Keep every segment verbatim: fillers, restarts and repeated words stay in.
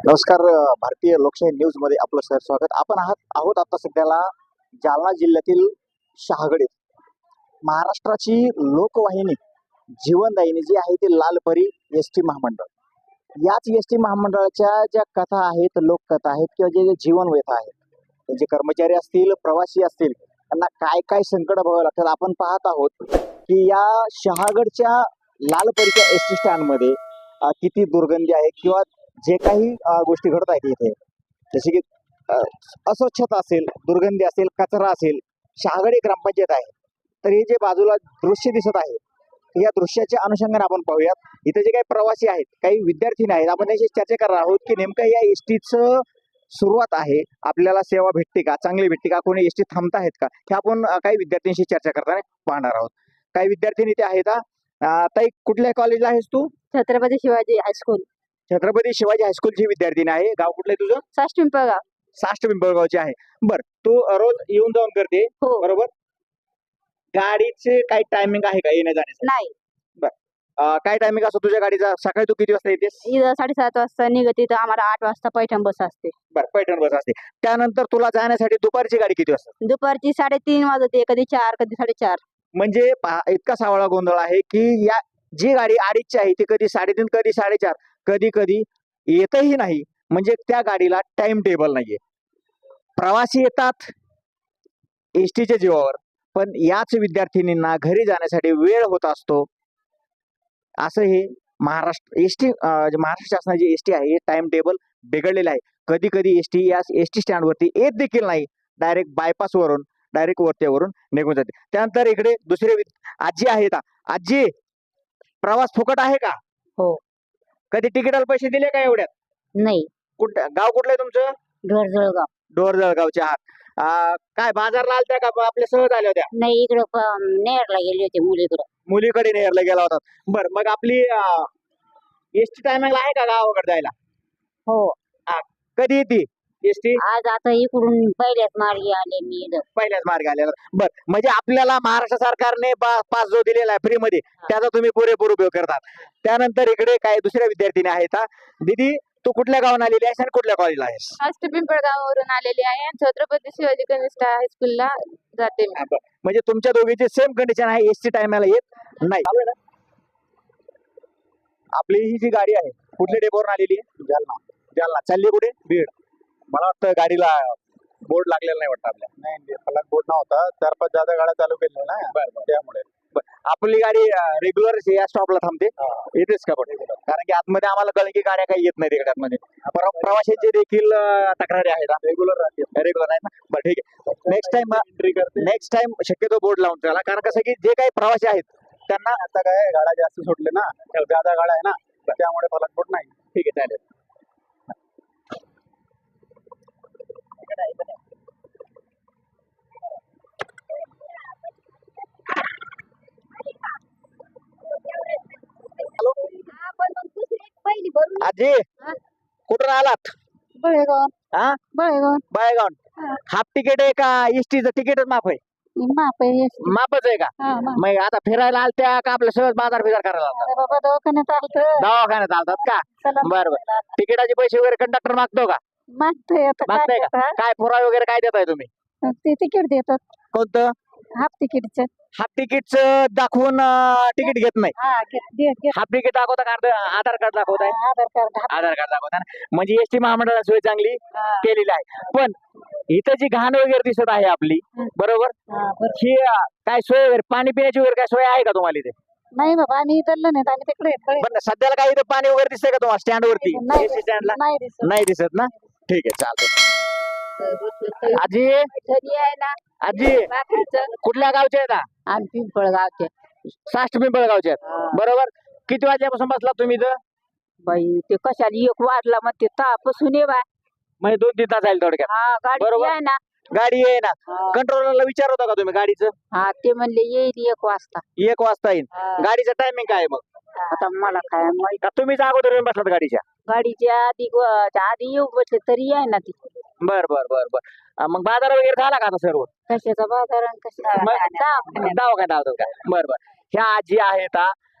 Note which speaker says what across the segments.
Speaker 1: नमस्कार. अ, भारतीय लोकशाही न्यूज मध्ये आपलं सर स्वागत. आपण आहात आहोत आता सध्याला जालना जिल्ह्यातील शहागडीत. महाराष्ट्राची लोकवाहिनी जीवनदायिनी जी आहे ती लालपरी एस टी महामंडळ. याच एस टी महामंडळाच्या ज्या कथा आहेत, लोककथा आहेत किंवा जे जे जीवनव्यथा आहेत, त्यांचे कर्मचारी असतील, प्रवासी असतील, त्यांना काय काय संकट भोगावं लागतात आपण पाहत आहोत की या शहागडच्या लालपरीच्या एस टी स्टँडमध्ये अ, किती दुर्गंधी आहे किंवा जे काही अ, गोष्टी घडत आहेत इथे, जसे की अ, अस्वच्छता असेल, दुर्गंधी असेल, कचरा असेल. शहागड एक ग्रामपंचायत आहे. तर हे जे बाजूला दृश्य दिसत आहे, या दृश्याच्या अनुषंगाने आपण पाहूयात. इथे जे काही प्रवासी आहेत, काही विद्यार्थी आहेत, आपण त्यांची चर्चा करणार आहोत की नेमकं या एस टीचं सुरुवात आहे, आपल्याला सेवा भेटते का, चांगली भेटते का, कोणी एस टी थांबत आहेत का, हे आपण अ, काही विद्यार्थ्यांशी चर्चा करताना पाहणार आहोत. काही विद्यार्थी इथे आहेत. अ, ताई, कुठल्या कॉलेजला आहेस तू?
Speaker 2: छत्रपती शिवाजी हायस्कूल,
Speaker 1: छत्रपती शिवाजी हायस्कूलची विद्यार्थिनी आहे. गाव कुठलं आहे तुझं?
Speaker 2: साष्ट पिंपळगाव.
Speaker 1: साष्ट पिंपळगावची आहे. बर, तू रोज येऊन जाऊन करते
Speaker 2: हो.
Speaker 1: बरोबर? गाडीचे काही टायमिंग आहे का येण्या जाण्यासाठी?
Speaker 2: नाही,
Speaker 1: अं, काय टायमिंग असतो तुझ्या गाडीचा? सकाळी तू किती वाजता येतेस?
Speaker 2: इथं साडेसात वाजता निघते तर आम्हाला आठ वाजता पैठण बस असते.
Speaker 1: बर, पैठण बस असते. त्यानंतर तुला जाण्यासाठी दुपारची गाडी किती वाजता?
Speaker 2: दुपारची साडेतीन वाजते, कधी चार, कधी साडेचार.
Speaker 1: म्हणजे पहा, इतका सावळा गोंधळ आहे की या जी गाडी अडीचची आहे ती कधी साडेतीन, कधी साडेचार, कधी कधी येतही नाही. म्हणजे त्या गाडीला टाइम टेबल नाहीये. प्रवासी येतात एसटीच्या जीवावर, पण याच विद्यार्थिनींना घरी जाण्यासाठी वेळ होत असतो. असं हे महाराष्ट्र एसटी महाराष्ट्र शासनाची एसटी आहे, हे टाइम टेबल बिघडलेलं आहे. कधी कधी एसटी या एसटी स्टँड वरती येत देखील नाही. डायरेक्ट बायपास वरून डायरेक्ट वरतीवरून निघून जाते. त्यानंतर इकडे दुसरे विद- आजी आहेत. आ- आजी, प्रवास फुकट आहे का?
Speaker 2: हो.
Speaker 1: कधी तिकिटाला पैसे दिले का एवढ्यात?
Speaker 2: नाही,
Speaker 1: कुठ गाव कुठलं आहे तुमचं?
Speaker 2: घर जळगाव.
Speaker 1: डोर जळगावचे आहात. अं, काय बाजारला आलत्या का आपल्या सहज आल्या होत्या?
Speaker 2: नाही, इकडं नेरला गेले होते मुलीकडं.
Speaker 1: मुलीकडे नेरला गेला होता. बर, मग आपली एसटी टायमिंगला आहे का गावाकडे जायला?
Speaker 2: हो.
Speaker 1: कधी येते एसटी?
Speaker 2: आज आता इकडून पहिल्याच मार्गी आले मी इथं.
Speaker 1: पहिल्याच मार्ग आलेला. बर, म्हणजे आपल्याला महाराष्ट्र सरकारने पा- पास जो दिलेला आहे फ्री मध्ये, त्याचा तुम्ही पुरेपूर उपयोग करतात. त्यानंतर इकडे काही दुसऱ्या विद्यार्थिनी आहेत. हा. दीदी, तू कुठल्या गावून आलेली आहेस आणि कुठल्या कॉलेजला आहेस?
Speaker 2: साष्ट पिंपळगाववरून आलेली आहे. छत्रपती शिवाजी कनिष्ठ हायस्कूलला जाते मी.
Speaker 1: हा, बर. म्हणजे तुमच्या दोघीची सेम कंडिशन आहे, एसटी टायमाला येत नाही. चालू आहे ना? आपली ही जी गाडी आहे कुठल्या डेपोवरून आलेली आहे? जालना. जालना चालली कुठे? बीड. मला वाटतं गाडीला बोर्ड लागलेला नाही वाटतं आपल्या.
Speaker 3: नाही, फलक बोर्ड नव्हता. चार पाच जादा गाड्या चालू केल्या ना, त्यामुळे.
Speaker 1: आपली गाडी रेग्युलर या स्टॉपला थांबते. येतेच का पण? कारण की आतमध्ये आम्हाला कळलं की गाड्या काही येत नाही तिकडे आतमध्ये. प्र- प्रवाशांचे देखील अं, तक्रारी आहेत.
Speaker 3: रेग्युलर राहते.
Speaker 1: रेग्युलर आहेत ना? बरं, ठीक आहे. नेक्स्ट टाइम
Speaker 3: एंट्री करते.
Speaker 1: नेक्स्ट टाइम शक्यतो बोर्ड लावून त्याला, कारण कसं की जे काही प्रवासी आहेत त्यांना.
Speaker 3: आता काय गाड्या जास्त सुटले ना, जादा गाड्या आहे ना, त्यामुळे फलक बोर्ड नाही.
Speaker 1: ठीक आहे, चालेल.
Speaker 2: पहिली भरून
Speaker 1: आजी, कुठून आलात?
Speaker 2: बळेगाव.
Speaker 1: हा,
Speaker 2: बळेगाव
Speaker 1: बायगाव. हाफ तिकीट आहे का एसटीचं तिकीटच माफ आहे?
Speaker 2: माप आहे.
Speaker 1: माफच आहे का?
Speaker 2: हा, माप.
Speaker 1: मग आता फिरायला आलत्या का आपलं सहज बाजार बिजार करायला आलता?
Speaker 2: अरे बाबा, दवाखान्यात आलतं.
Speaker 1: दवाखान्यात आलतात का?
Speaker 2: चला,
Speaker 1: बरं बरं. तिकिटाचे पैसे वगैरे कंडक्टर मागतो का?
Speaker 2: मागतोय आता काय
Speaker 1: मागताय का?
Speaker 2: करता?
Speaker 1: काय पुरावे वगैरे काय देताय तुम्ही?
Speaker 2: ते तिकीट देतात,
Speaker 1: कोणतं?
Speaker 2: हाफ तिकीटचं.
Speaker 1: हाफ तिकीट दाखवून तिकीट घेत नाही.
Speaker 2: हा, घे- घे- घे.
Speaker 1: हाफ तिकीट दाखवता का? अर्ध- आधार कार्ड दाखवताय?
Speaker 2: Aadhaar card. Half-
Speaker 1: Aadhaar card दाखवता ना? म्हणजे एसटी महामंडळाची सोय चांगली
Speaker 2: हा,
Speaker 1: केलेली आहे. पण इथं जी घाण वगैरे दिसत आहे आपली,
Speaker 2: हं.
Speaker 1: बरोबर,
Speaker 2: हा, बरं.
Speaker 1: ही अं, काय सोय वगैरे, पाणी पिण्याची वगैरे काय सोय आहे का तुम्हाला इथे?
Speaker 2: नाही बाबा, आम्ही इथलं नाही, आम्ही तिकडे आहेत, बळे.
Speaker 1: पण सध्याला काय इथं पाणी वगैरे दिसतंय का तुम्हाला स्टँड वरती?
Speaker 2: नाही
Speaker 1: एसटी स्टँडला
Speaker 2: नाही दिसत.
Speaker 1: नाही दिसत ना? ठीक आहे, चालतंय. आजी,
Speaker 2: घरी आहे ना
Speaker 1: आजी,
Speaker 2: बाकीचं.
Speaker 1: कुठल्या गावचे आहेत?
Speaker 2: आम्ही पिंपळगावचे.
Speaker 1: साष्ट पिंपळगावचे आहेत.
Speaker 2: हा.
Speaker 1: बरोबर. किती वाजल्यापासून बसला तुम्ही इथं?
Speaker 2: बाई, ते कशाला एक वाजला मग ते तापासून ये बाय.
Speaker 1: म्हणजे दोन तीन तास जाईल थोडक्यात.
Speaker 2: हा, गाडी
Speaker 1: बरोबर.
Speaker 2: आहे ना.
Speaker 1: गाडी आहे ना?
Speaker 2: हा.
Speaker 1: कंट्रोलरला विचार होता का तुम्ही गाडीचं?
Speaker 2: हा, ते म्हणले येईल एक वाजता.
Speaker 1: एक वाजता येईल.
Speaker 2: हा.
Speaker 1: गाडीचं टायमिंग काय आहे मग?
Speaker 2: आता मला काय माहित.
Speaker 1: का तुम्हीच अगोदर येऊन बसलात गाडीच्या?
Speaker 2: गाडीच्या आधी आधी येऊ बसले तरी आहे ना ती.
Speaker 1: बर बर बर बर. अं, मग बाजार वगैरे झाला का आता सर्व?
Speaker 2: कशाचा बाजार आणि कशाचा
Speaker 1: मग-
Speaker 2: दवाखान्यात.
Speaker 1: दवाखान्यात आहोत का? बर बर. ह्या आजी आहेत. हा.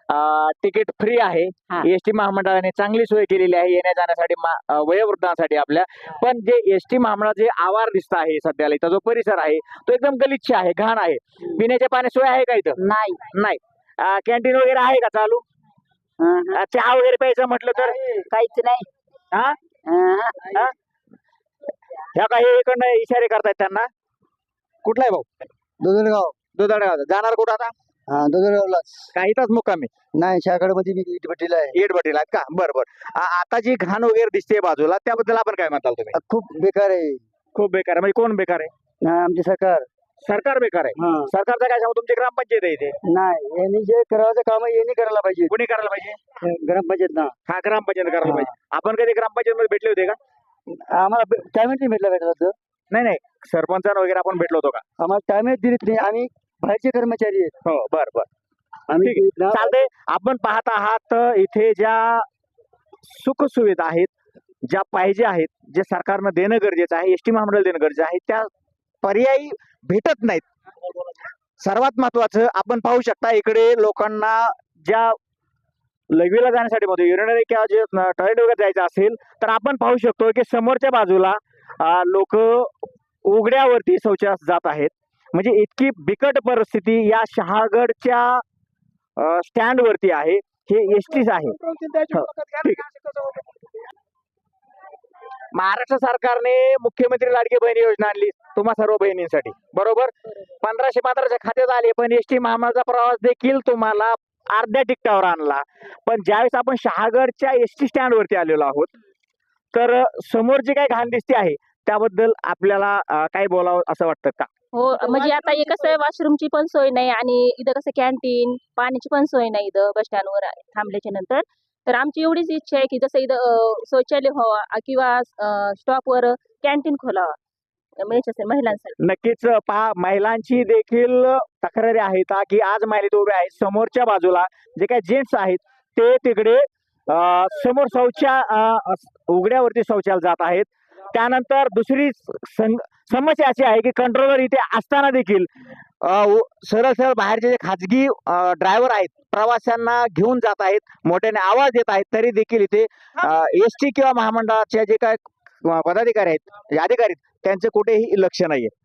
Speaker 1: तिकीट फ्री आहे.
Speaker 4: हा.
Speaker 1: एसटी महामंडळाने चांगली सोय केलेली आहे येण्या जाण्यासाठी मा- अ, वयोवृद्धांसाठी आपल्या. पण जे एसटी महामंडळाचे जे आवार दिसत आहे सध्याला इथं जो परिसर आहे तो एकदम गलिच्छ आहे, घाण आहे. पिण्याच्या पाण्याची सोय आहे का इथं?
Speaker 4: नाही.
Speaker 1: नाही. कॅन्टीन वगैरे आहे का चालू?
Speaker 4: अहं.
Speaker 1: अ, चहा वगैरे प्यायचं म्हटलं तर
Speaker 4: काहीच नाही.
Speaker 1: हा?
Speaker 4: अहं.
Speaker 1: हा? ह्या काही इकडनं इशारे करतायत त्यांना. कुठला आहे भाऊ?
Speaker 5: दुधडगाव.
Speaker 1: दुधाळगाव. जाणार कुठं आता?
Speaker 5: हा दुधडगावलाच.
Speaker 1: काही तास मुक्कामी
Speaker 5: नाही शाकडे मध्ये मी इटभट्टीला आहे.
Speaker 1: येटभट्टीला आहेत का? बरं बरं. आ- आता जी घाण वगैरे दिसते बाजूला त्याबद्दल आपण काय म्हणताल तुम्ही?
Speaker 5: खूप बेकार आहे.
Speaker 1: खूप बेकार आहे. म्हणजे कोण बेकार आहे?
Speaker 5: हा, आमचे सरकार.
Speaker 1: सरकार बेकार आहे.
Speaker 5: हा.
Speaker 1: सरकारचं काय सांगू? तुमची ग्रामपंचायत आहे इथे.
Speaker 5: नाही यांनी जे करायचं काम आहे यांनी करायला पाहिजे.
Speaker 1: कोणी करायला पाहिजे?
Speaker 5: ग्रामपंचायत ना.
Speaker 1: हा, ग्रामपंचायत करायला
Speaker 5: हा.
Speaker 1: पाहिजे. आपण कधी ग्रामपंचायत मध्ये भेटले होते का?
Speaker 5: आम्हाला टायमेट नाही भेटला भेटला
Speaker 1: नाही नाही, सरपंचांना वगैरे आपण भेटलो होतो का?
Speaker 5: आम्हाला टायमेट दिलीच नाही. आम्ही बाहेरचे कर्मचारी आहेत.
Speaker 1: हो, बर बर.
Speaker 5: आम्ही
Speaker 1: ठीक आहे. चालतंय. आपण पाहत आहात इथे ज्या सुख सुविधा आहेत, ज्या पाहिजे आहेत, जे सरकारनं देणं गरजेचं आहे, एसटी महामंडळ देणं गरजेचं आहे, त्या पर्यायी भेटत नाहीत. सर्वात महत्वाचं आपण पाहू शकता इकडे लोकांना ज्या लघवीला जाण्यासाठी मध्ये युरिनरी किंवा जे टॉयलेट वगैरे जायचं असेल तर आपण पाहू शकतो की समोरच्या बाजूला लोक उघड्यावरती शौचास जात आहेत. म्हणजे इतकी बिकट परिस्थिती या शहागडच्या स्टँड वरती आहे. हे एसटीच आहे. हो, ठीक. महाराष्ट्र सरकारने मुख्यमंत्री लाडकी बहीण योजना आणली तुम्हा सर्व बहिणींसाठी, बरोबर. पंधराशे पंधराच्या खात्यात आले, पण एसटी महामंडळाचा प्रवास देखील तुम्हाला अर्ध्या तिकटावर आणला. पण ज्यावेळेस आपण शहागडच्या एसटी स्टँड वरती आलेलो आहोत तर समोर जे काही घाण दिसते आहे त्याबद्दल आपल्याला अं, काय बोलावं असं वाटतं का?
Speaker 2: हो, म्हणजे आता हे कसं आहे, वॉशरूमची पण सोय नाही आणि इथं कसं कॅन्टीन पाण्याची पण सोय नाही इथं बस स्टँडवर थांबल्याच्या नंतर. तर आमची एवढीच इच्छा आहे की जसं इथं अं, शौचालय व्हावा अं, किंवा स्टॉपवर कॅन्टीन खोलावा म्हणजे याच्यासाठी महिलांसाठी.
Speaker 1: नक्कीच पहा, महिलांची देखील तक्रारी आहेत हा, की आज महिला इथे उभ्या आहेत. समोरच्या बाजूला जे काही जेंट्स आहेत ते तिकडे अं, समोर शौचा अं, उघड्यावरती शौचालय जात आहेत. त्यानंतर दुसरी सं- समस्या अशी आहे की कंट्रोलर इथे असताना देखील अं, उ- सरळ सरळ बाहेरचे जे खाजगी ड्रायव्हर आहेत प्रवाशांना घेऊन जात आहेत, मोठ्याने आवाज देत आहेत, तरी देखील इथे एस टी किंवा महामंडळाचे जे काय अं, पदाधिकारी आहेत, जे अधिकारी आहेत, त्यांचं कुठेही लक्ष नाहीये.